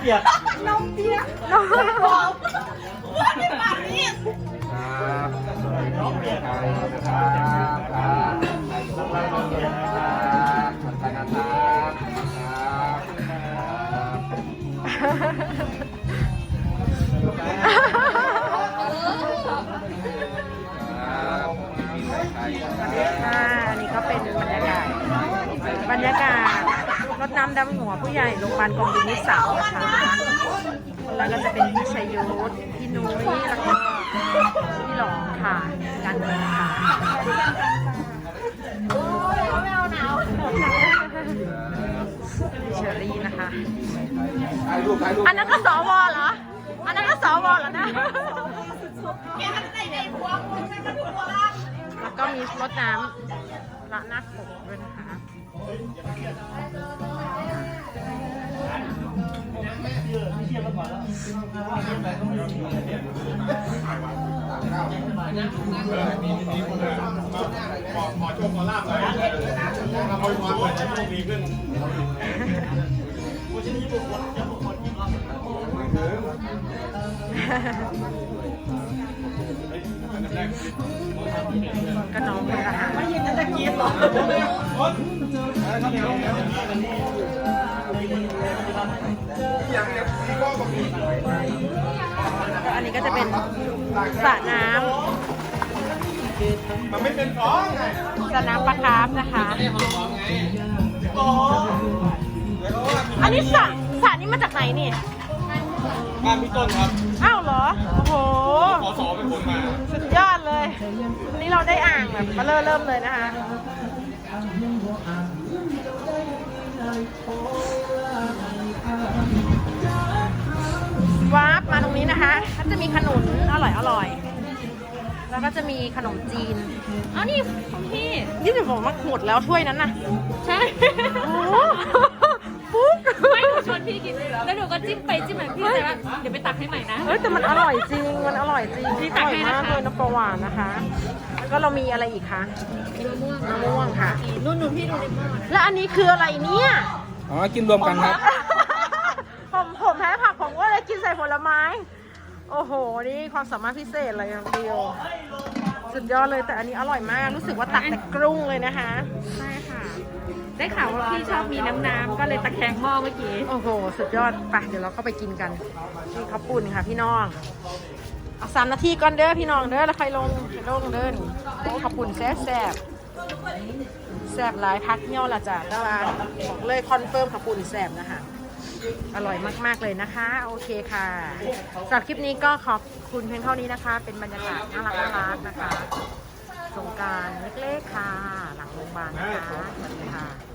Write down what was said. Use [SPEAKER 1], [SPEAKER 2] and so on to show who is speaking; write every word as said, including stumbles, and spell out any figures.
[SPEAKER 1] ปียกน้องเปียกน้องบอกว่าในปากนี้ครับน้องเปียกครับครับน้องเปียกครับ
[SPEAKER 2] อ่าอันนี้ก็เป็นบรรยากาศบรรยากาศรดน้ำดำหัวผู้ใหญ่โรงพยาบาลกองบินนิสสังนะคะแล้วก็จะเป็นพี่ชัยยุทธพี่นุ้ยแล้วก็พี่หลองค่ะการเงินค่ะไม่เอาหนาวเชอรี่นะคะอันนั้นก็สวเหรออันนั้นก็สวเหรอนะแล้วก็มีรดน้ำละนักปกด้วยนะคะ
[SPEAKER 3] ขอโชคขอลาบหน่อยขอพรหน่อยจะมีขึ้น
[SPEAKER 2] ก็น้องคนละหาไม่ยินตะกี้หรออันนี้ก็จะเป็นสระน้ำ
[SPEAKER 3] มันไม่เป็นฟองไง
[SPEAKER 2] สระน้ำปลาคาร์ฟนะคะอันนี้สระสระนี้มาจากไหนนี่
[SPEAKER 3] บ้านพี่ต้นครับ
[SPEAKER 2] อ้าวเหรอโอ้โห
[SPEAKER 3] ขอสอเป็นคนมา
[SPEAKER 2] สุดยอดเลยวันนี้เราได้อ่างแบบมาเริ่มเริ่มเลยนะคะวาร์ปมาตรงนี้นะคะก็จะมีขนุนอร่อยอร่อยแล้วก็จะมีขนมจีนอ้าวนี่ของพี่ยี่สิบบอกว่าหมดแล้วถ้วยนั้นน่ะใช่โอ้ปุ๊บ
[SPEAKER 4] ไม่หนูชวนพี่กินแล้วหนูก็จิ้มไปจิ้มมาพี่แต่ว่าเดี๋ยวไปตักให้ใหม่นะ
[SPEAKER 2] เฮ้ยแต่มันอร่อยจริงมันอร่อยจริง
[SPEAKER 4] พี่ตักให้นะคะ
[SPEAKER 2] อร่อยมากเลยน้ำปลาหวานนะคะแล้วก็เรามีอะไรอีกคะ
[SPEAKER 4] มีมะม่วง
[SPEAKER 2] มะม่วงค่ะ
[SPEAKER 4] นู่นนู่นพี่ดูในหม้อ
[SPEAKER 2] แล้วอันนี้คืออะไรเนี่ย
[SPEAKER 3] อ๋อกินรวมกันครับ
[SPEAKER 2] ผมผมแพ้ผักผมก็เลยกินใส่ผลไม้โอ้โหนี่ความสามารถพิเศษเลยน้องเดียวสุดยอดเลยแต่อันนี้อร่อยมากรู้สึกว่าตักแต่กรุ้งเลยนะคะ
[SPEAKER 4] ใช่ค่ะได้ข่าวว่าพี่ชอบมีน้ำน้ำก็เลยตะแคงหม้อเมื่อกี้
[SPEAKER 2] โอ้โหสุดยอดไปเดี๋ยวเราเข้าไปกินกันนี่ข้าวปุ้นค่ะพี่น้องเอาสามนาทีก่อนเด้อพี่น้องเด้อแล้วใครลงลงเด้อโอ้ข้าวปุ้นแซ่บแซ่บแซ่บหลายพักเงี้ยวละจ้ะแต่ว่าบอกเลยคอนเฟิร์มข้าวปุ้นแซ่บนะคะอร่อยมากๆเลยนะคะโอเคค่ะสำหรับคลิปนี้ก็ขอบคุณเพียงเท่านี้นะคะเป็นบรรยากาศน่ารักน่ารักนะคะสงกรานต์เล็กๆค่ะหลังโรงพยาบาลนะคะสวัสดีค่ะ